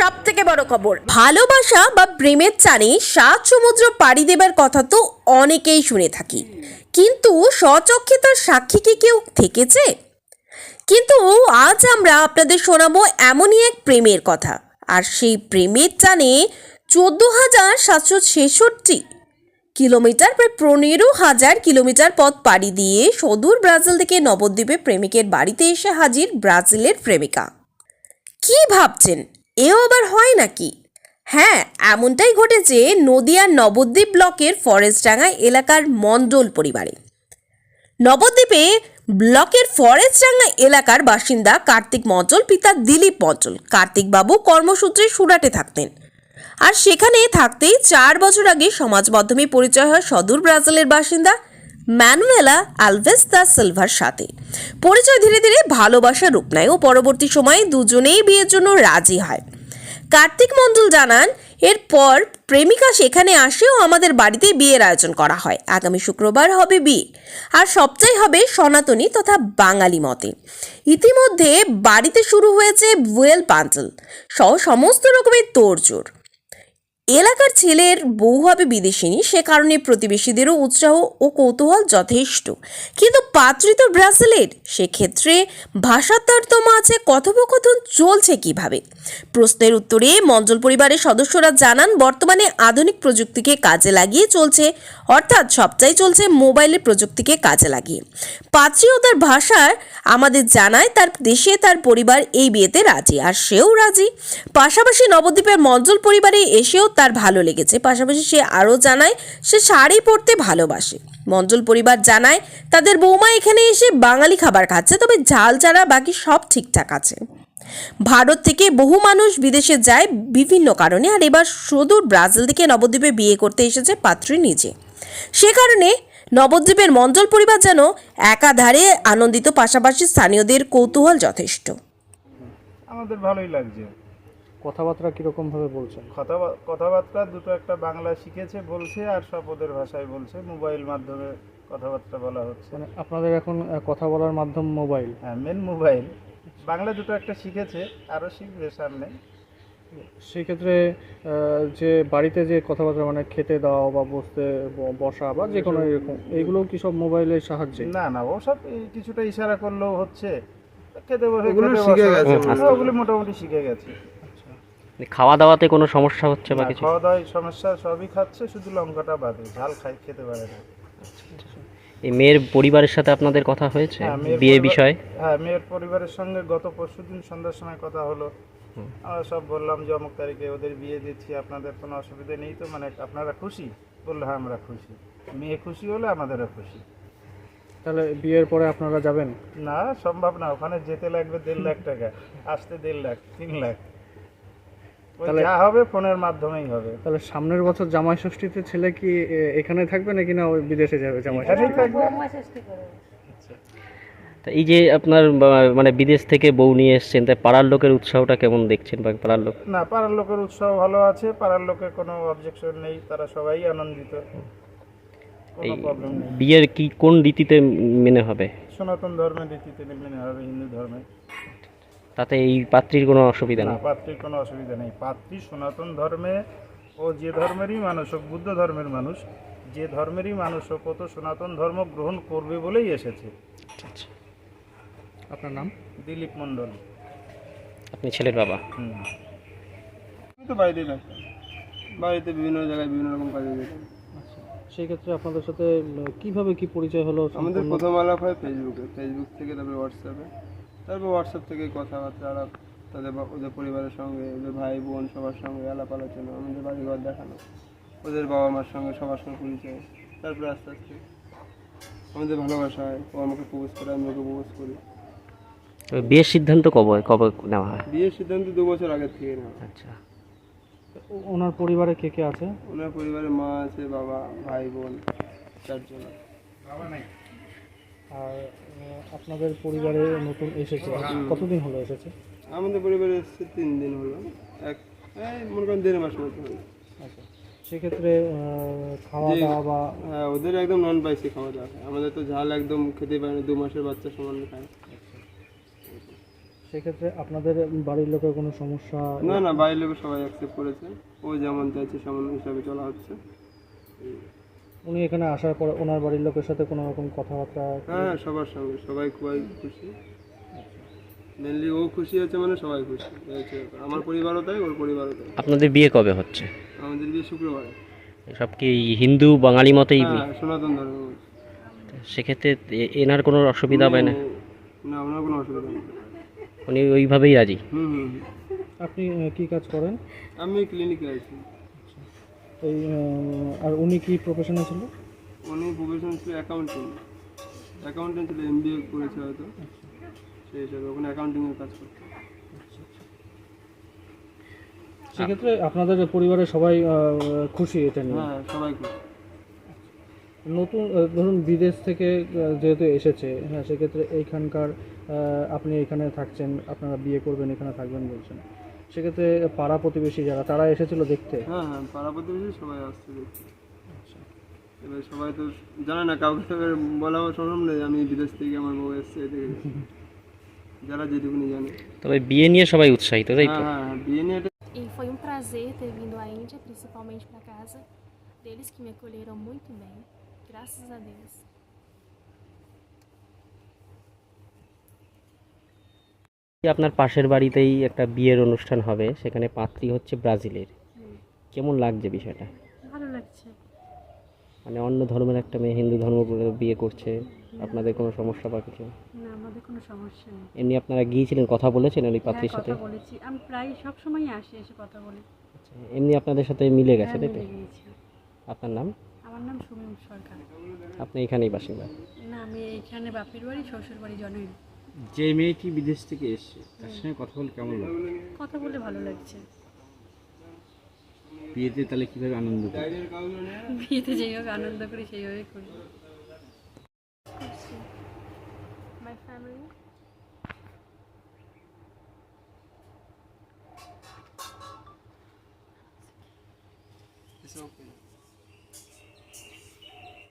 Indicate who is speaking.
Speaker 1: সবথেকে বড় খবর, ভালোবাসা বা প্রেমের টানে 7 সমুদ্র পাড়ি দেবার কথা তো অনেকেই শুনে থাকি, কিন্তু স্বচক্ষে তার সাক্ষী কি কেউ থেকেছে? কিন্তু আজ আমরা আপনাদের শোনাবো এমনই এক প্রেমের কথা, আর সেই প্রেমের টানে 14,766 কিলোমিটার, প্রায় 15,000 কিলোমিটার পথ পাড়ি দিয়ে সুদূর ব্রাজিল থেকে নবদ্বীপে প্রেমিকের বাড়িতে এসে হাজির ব্রাজিলের প্রেমিকা। কি ভাবছেন, এও আবার হয় নাকি? হ্যাঁ, এমনটাই ঘটেছে নদিয়ার নবদ্বীপ ব্লকের ফরেস্টডাঙ্গা এলাকার মণ্ডল পরিবারে। নবদ্বীপে ব্লকের ফরেস্টডাঙ্গা এলাকার বাসিন্দা কার্তিক মণ্ডল, পিতা দিলীপ মণ্ডল। কার্তিকবাবু কর্মসূত্রে সুরাটে থাকতেন, আর সেখানে থাকতেই 4 বছর আগে সমাজ মাধ্যমে পরিচয় হয় সদূর ব্রাজিলের বাসিন্দা ম্যানুয়েলা আলভেস দা সিলভার সাথে। পরিচয় ধীরে ধীরে ভালোবাসার রূপ নেয় ও পরবর্তী সময়ে দুজনেই বিয়ের জন্য রাজি হয়। কার্তিক মণ্ডল জানান, এরপর প্রেমিকা সেখানে আসে ও আমাদের বাড়িতে বিয়ের আয়োজন করা হয়। আগামী শুক্রবার হবে বিয়ে, আর সবটাই হবে সনাতনী তথা বাঙালি মতে। ইতিমধ্যে বাড়িতে শুরু হয়েছে ভুয়েল পান্ডেল সহ সমস্ত রকমের তোড়জোড়। এলাকার ছেলের বউ হবে বিদেশিনী, সে কারণে প্রতিবেশীদেরও উৎসাহ ও কৌতূহল যথেষ্ট। কিন্তু পাত্রী তো ব্রাজিলের, সেক্ষেত্রে ভাষার তারতম্য আছে। কথোপকথন চলছে কিভাবে? প্রশ্নের উত্তরে মণ্ডল পরিবারের সদস্যরা জানান, বর্তমানে আধুনিক প্রযুক্তিকে কাজে লাগিয়ে চলছে, অর্থাৎ সবটাই চলছে মোবাইলের প্রযুক্তিকে কাজে লাগিয়ে। পাত্রী ও তার ভাষার আমাদের জানায় তার দেশে তার পরিবার এই বিয়েতে রাজি, আর সেও রাজি। পাশাপাশি নবদ্বীপের মণ্ডল পরিবারে এসেও তার ভালো লেগেছে। পাশাপাশি সে আরও জানায় সে শাড়ি পরতে ভালোবাসে। মণ্ডল পরিবার জানায় তাদের বৌমা এখানে এসে বাঙালি খাবার খাচ্ছে, তবে ঝাল ছাড়া বাকি সব ঠিকঠাক আছে। ভারত থেকে বহু মানুষ বিদেশে যায় বিভিন্ন কারণে, আর এবার সুদূর ব্রাজিল থেকে নবদ্বীপে বিয়ে করতে এসেছে পাত্রী নিজে। সে কারণে নবদ্বীপের মণ্ডল পরিবার যেন একাধারে আনন্দিত, পাশাপাশি স্থানীয়দের কৌতূহল যথেষ্ট।
Speaker 2: আমাদের ভালোই লাগছে।
Speaker 3: কথাবার্তা কিরকম ভাবে বলছেন?
Speaker 2: কথাবার্তা দুটো একটা বাংলা শিখেছে বলছে, আর সব ওদের ভাষায় বলছে। মোবাইল মাধ্যমে কথাবার্তা বলা হচ্ছে।
Speaker 3: মানে আপনাদের এখন কথা বলার মাধ্যম মোবাইল?
Speaker 2: হ্যাঁ, মেন মোবাইল। বাংলা দুটো একটা শিখেছে, আরও শিখবে সামনে।
Speaker 3: সেই ক্ষেত্রে যে বাড়িতে যে কথাবার্তা মানে খেতে দাও বা বসা বা যে কোনো এরকম, এইগুলো কি সব মোবাইলের সাহায্যে?
Speaker 2: না না, ওসব কিছুটা ইশারা করলেও হচ্ছে। খেতে বসে
Speaker 4: ওগুলো শিখে গেছে,
Speaker 2: ওগুলো মোটামুটি শিখে গেছে।
Speaker 5: খাওয়া দাওয়াতে কোনো সমস্যা হচ্ছে বা কিছু?
Speaker 2: খাওয়া দাওয়ায় সমস্যা সবই খাচ্ছে, শুধু লঙ্কাটা বাদে। ঝাল খেতে পারে না।
Speaker 5: এই মেয়ের পরিবারের সাথে আপনাদের কথা হয়েছে বিয়ে বিষয়ে?
Speaker 2: হ্যাঁ, মেয়ের পরিবারের সঙ্গে গত পরশুদিন সন্ধ্যার সময় কথা হলো। আমরা সব বললাম যে অমুক তারিখে ওদের বিয়ে দিচ্ছি, আপনাদের কোনো অসুবিধা নেই তো? মানে আপনারা খুশি? বললো হ্যাঁ আমরা খুশি। মেয়ে খুশি হলে আমাদেরও খুশি।
Speaker 3: তাহলে বিয়ের পরে আপনারা যাবেন?
Speaker 2: না, সম্ভব না। ওখানে যেতে লাগবে 1.5 লাখ টাকা, আসতে 1.5 লাখ, 3 লাখ। যা হবে ফোনের মাধ্যমেই হবে।
Speaker 3: তাহলে সামনের বছর জামাই ষষ্ঠীতে ছেলে কি এখানে থাকবে নাকি না ওই বিদেশে যাবে জামাই ষষ্ঠী?
Speaker 5: তা এই যে আপনার মানে বিদেশ থেকে বউ নিয়ে এসছেন, তাই পাড়ার লোকের উৎসাহটা কেমন দেখছেন? বা পাড়ার লোক?
Speaker 2: না, পাড়ার লোকের উৎসাহ ভালো আছে। পাড়ার লোকের কোনো অবজেকশন নেই, তারা সবাই আনন্দিত, কোনো প্রবলেম নেই।
Speaker 5: বিয়ের কি কোন রীতিতে মেনে হবে?
Speaker 2: সনাতন ধর্মের রীতিতে মেনে হবে, হিন্দু ধর্মে।
Speaker 5: তাতে এই পাত্রীর কোনো অসুবিধা নেই?
Speaker 2: পাত্রীর কোনো অসুবিধা নেই। পাত্রী সনাতন ধর্মে, ও যে ধর্মেরই মানুষ হোক, বুদ্ধ ধর্মের মানুষ, যে ধর্মেরই মানুষ হোক, ও তো সনাতন ধর্ম গ্রহণ করবে বলেই এসেছে।
Speaker 5: আচ্ছা।
Speaker 3: আপনার নাম?
Speaker 2: দিলীপ মণ্ডল।
Speaker 5: আপনি ছেলের বাবা?
Speaker 4: আমি তো বাড়িতেই থাকতাম, বাড়িতে বিভিন্ন জায়গায় বিভিন্ন রকম কাজে যেতাম।
Speaker 3: আচ্ছা, সেই ক্ষেত্রে আপনাদের সাথে কিভাবে কি পরিচয় হলো?
Speaker 4: আমাদের প্রথম আলাপ হয় ফেসবুক থেকে, তারপরে হোয়াটসঅ্যাপে, তারপর হোয়াটসঅ্যাপ থেকে কথাবার্তা আলাপ, ওদের পরিবারের সঙ্গে, ওদের ভাই বোন সবার সঙ্গে আলাপ আলোচনা, আমাদের বাড়িঘর দেখানো, ওদের বাবা মার সঙ্গে সবার সঙ্গে পরিচয়। তারপরে আস্তে আস্তে আমাদের ভালোবাসা হয়। ও আমাকে প্রপোজ করে, আমি ওকে প্রপোজ করি।
Speaker 5: বিয়ের সিদ্ধান্ত কবে কবে নেওয়া হয়?
Speaker 4: বিয়ের সিদ্ধান্ত 2 বছর আগের থেকে নেওয়া।
Speaker 5: আচ্ছা।
Speaker 3: ওনার পরিবারে কে কে আছে?
Speaker 4: ওনার পরিবারে মা আছে, বাবা, ভাই বোন, 4 জন।
Speaker 3: আর আপনাদের পরিবারে নতুন এসেছে, কতদিন হলো এসেছে?
Speaker 4: আমাদের পরিবারে এসেছে 3 দিন হলো। মনে করেন 1.5 মাস মতো হলো।
Speaker 3: আচ্ছা, সেক্ষেত্রে খাওয়া দাওয়া বা?
Speaker 4: হ্যাঁ, ওদের একদম নন স্পাইসি খাওয়া দাওয়া খায়। আমাদের তো ঝাল একদম খেতে পারে না, 2 মাসের বাচ্চা সমান খায়।
Speaker 3: সেক্ষেত্রে আপনাদের বাড়ির লোকের কোনো সমস্যা?
Speaker 4: না না, বাইরের লোক সবাই অ্যাকসেপ্ট করেছে, ও যেমন চাইছে সেমন হিসাবে চলা হচ্ছে।
Speaker 3: উনি এখানে আসার পর ওনার বাড়ির লোকের সাথে কোনো রকম কথাবার্তা?
Speaker 4: হ্যাঁ হ্যাঁ, সবার সঙ্গে সবাই খুবই খুশি। মেনলি ও খুশি হচ্ছে মানে সবাই খুশি এই হচ্ছে ব্যাপার। আমার পরিবারও তাই, ওর পরিবারও তাই।
Speaker 5: আপনাদের বিয়ে কবে হচ্ছে?
Speaker 4: আমাদের বিয়ে শুক্রবারে।
Speaker 5: সব কি হিন্দু বাঙালি মতেই?
Speaker 4: হ্যাঁ, সনাতন ধর্ম।
Speaker 5: সেক্ষেত্রে এনার কোনো অসুবিধা হবে না?
Speaker 4: না, ওনার কোনো অসুবিধা নেই।
Speaker 5: উনি ওইভাবেই রাজি?
Speaker 4: হুম হুম হুম।
Speaker 3: আপনি কি কাজ করেন?
Speaker 4: আমি ক্লিনিকে আছি।
Speaker 3: এই আর উনি কি প্রফেশনে ছিল?
Speaker 4: উনি প্রফেশন ছিল অ্যাকাউন্টিং, অ্যাকাউন্টেন্ট ছিল, এমবিএ করেছে হয়তো, সেই হিসাবে ওখানে অ্যাকাউন্টিংয়ের কাজ করতে।
Speaker 3: সেক্ষেত্রে আপনাদের পরিবারের সবাই খুশি এটা নিয়ে?
Speaker 4: হ্যাঁ, সবাই খুশি।
Speaker 3: নতুন ধরুন বিদেশ থেকে যেহেতু এসেছে, হ্যাঁ, সেক্ষেত্রে এইখানকার আপনি এখানে থাকছেন, আপনারা বিয়ে করবেন, এখানে থাকবেন বলছেন, সেক্ষেত্রে পাড়া প্রতিবেশী যারা তারা এসেছিল দেখতে?
Speaker 4: হ্যাঁ হ্যাঁ, পাড়া প্রতিবেশী সবাই আসছে দেখতে। এবার সবাই তো জানে না, কাউকে তো এবার বলাও সম্ভব নেই আমি বিদেশ থেকে আমার বউ এসছে এদিকে, যারা যেটুকুনি জানে।
Speaker 5: তবে বিয়ে নিয়ে সবাই উৎসাহিত, তাই তো?
Speaker 4: হ্যাঁ হ্যাঁ হ্যাঁ, বিয়ে নিয়ে
Speaker 6: E foi um prazer ter vindo à Índia, principalmente para casa deles que me acolheram muito bem, graças a Deus.
Speaker 5: আপনার পাশের বাড়িতেই একটা বিয়ের অনুষ্ঠান হবে, সেখানে পাত্রী হচ্ছে ব্রাজিলের। কেমন লাগছে বিষয়টা?
Speaker 7: ভালো লাগছে।
Speaker 5: মানে অন্য ধর্মের একটা মেয়ে হিন্দু ধর্ম করে বিয়ে করছে, আপনাদের কোনো সমস্যা বা কিছু?
Speaker 7: না, আমাদের কোনো সমস্যা নেই।
Speaker 5: এমনি আপনারা গিয়েছিলেন, কথা বলেছেন ওই
Speaker 7: হ্যাঁ,
Speaker 5: পাত্রীর সাথে?
Speaker 7: কথা বলেছি, আমি প্রায় সব সময় আসি, এসে কথা বলি।
Speaker 5: আচ্ছা, এমনি আপনাদের সাথে মিলে গেছে,
Speaker 7: হ্যাঁ,
Speaker 5: তাই তো?
Speaker 7: মিলে গিয়েছি।
Speaker 5: আপনার নাম?
Speaker 7: আমার নাম সুমিম সরকার।
Speaker 5: আপনি এখানেই বাসিন্দা?
Speaker 7: না, আমি এইখানে বাপের বাড়ি, শ্বশুর বাড়ি জনই।
Speaker 8: যে মেয়েটি বিদেশ থেকে এসেছে তার সঙ্গে কথা বলে কেমন লাগে?
Speaker 7: কথা বলে ভালো লাগছে।
Speaker 8: বিয়েতে তাহলে কিভাবে আনন্দ করে?
Speaker 7: বিয়েতে যেইভাবে আনন্দ করি সেইভাবে করি।
Speaker 6: Curti. My family.
Speaker 4: It's okay.